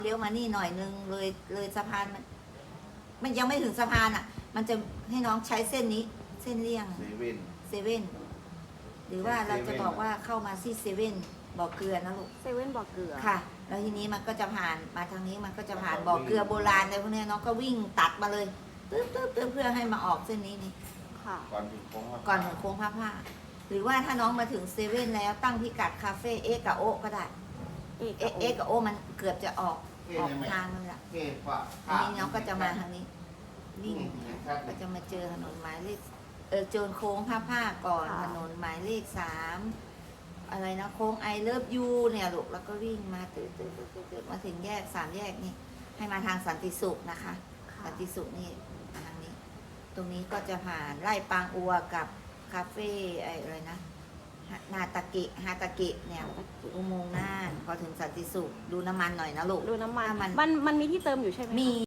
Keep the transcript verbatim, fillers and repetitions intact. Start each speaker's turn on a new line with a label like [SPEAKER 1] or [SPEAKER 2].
[SPEAKER 1] เลี้ยวมานี่หน่อยนึงเลยเลยสะพานมันมันยังไม่ถึงสะพานอ่ะ มันจะให้น้องใช้เส้นนี้เส้นเลี่ยง
[SPEAKER 2] เซเว่น
[SPEAKER 1] เซเว่นหรือว่าเราจะบอกว่าเข้ามาที่เซเว่นบ่อเกลือนะลูก
[SPEAKER 3] เซเว่นบ่อเกลือ
[SPEAKER 1] ค่ะ แล้วทีนี้มันก็จะผ่านมาทางนี้มันก็จะผ่านบ่อเกลือโบราณอะไรพวกเนี้ยน้องก็วิ่งตัดมาเลยตึ๊บตึ๊บตึ๊บเพื่อให้มาออกเส้นนี้นี่
[SPEAKER 3] ค่ะ
[SPEAKER 2] ก่อนถึงโค้ง
[SPEAKER 1] ก่อนถึงโค้งพระผ้าหรือว่าถ้าน้องมาถึงเซเว่นแล้วตั้งพิกัดคาเฟ่เอ็กกับโอก็ได้
[SPEAKER 3] เอก
[SPEAKER 1] เอะเอ็กกับโอมันเกือบจะออก
[SPEAKER 2] เอ๊ะ
[SPEAKER 1] ออก
[SPEAKER 2] ยังไง
[SPEAKER 1] ทางนึงละ
[SPEAKER 2] เอ๊ะฝา
[SPEAKER 1] อันนี้น้องก็จะมาทางนี้วิ่งก็จะมาเจอถนนหมายเลขเออเจอโค้งผ้าผ้าก่อนถนนหมายเลขสามอะไรนะโค้งไอเลิฟยูเนี่ยลูกแล้วก็วิ่งมาตื่นตื่นตื่นตื่นมาถึงแยกสามแยกนี่ให้มาทางสันติสุขนะคะ
[SPEAKER 3] ค่ะ
[SPEAKER 1] สันติสุขนี่มาทางนี้ ตรงนี้ก็จะผ่านไร่ปางอัวกับคาเฟ่ไออะไรนะฮะนาตากิฮาตากิเนี่ยอุโมงค์น่านพอถึงสันติสุขดูน้ำมันหน่อยนะลูก
[SPEAKER 3] ดูน้ำมัน
[SPEAKER 1] ถ้ามัน
[SPEAKER 3] มันมันมีที่เติมอยู่ใช่ไหมคะ
[SPEAKER 1] มี